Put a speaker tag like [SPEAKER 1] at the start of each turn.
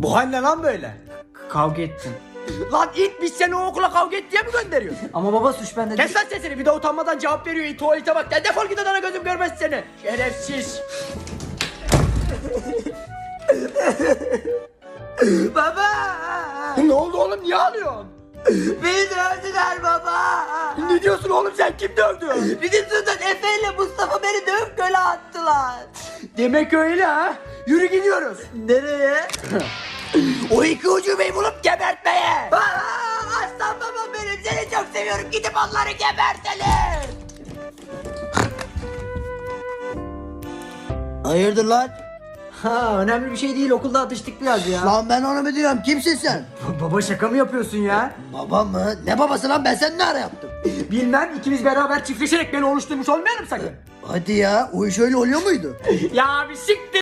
[SPEAKER 1] Bu hal ne lan böyle?
[SPEAKER 2] Kavga ettim.
[SPEAKER 1] Lan it, biz seni o okula kavga et diye mi gönderiyoruz?
[SPEAKER 2] Ama baba suç bende değil.
[SPEAKER 1] Kes lan sesini, bir de utanmadan cevap veriyor, it tuvalete bak. Ya defol git odana, gözüm görmez seni. Şerefsiz.
[SPEAKER 2] Baba!
[SPEAKER 1] Ne oldu oğlum, niye ağlıyorsun?
[SPEAKER 2] Beni dövdüler baba!
[SPEAKER 1] Ne diyorsun oğlum, sen kim dövdü?
[SPEAKER 2] Bizim Sultan Efe ile Mustafa beni dövüp göle attılar.
[SPEAKER 1] Demek öyle ha. Yürü gidiyoruz.
[SPEAKER 2] Nereye?
[SPEAKER 1] O iki ucubeyi bulup gebertmeye.
[SPEAKER 2] Aslan babam benim, seni çok seviyorum, gidip onları gebertelim.
[SPEAKER 3] Hayırdır lan?
[SPEAKER 2] Ha, önemli bir şey değil, okulda atıştık biraz ya.
[SPEAKER 3] Lan ben onu mu diyorum? Kimsin sen?
[SPEAKER 2] Baba şaka mı yapıyorsun ya?
[SPEAKER 3] Babam mı? Ne babası lan, ben sen ne ara yaptım?
[SPEAKER 1] Bilmem, ikimiz beraber çiftleşerek beni oluşturmuş olmayalım sakın.
[SPEAKER 3] Hadi ya, o iş öyle oluyor muydu?
[SPEAKER 1] Ya bir siktir.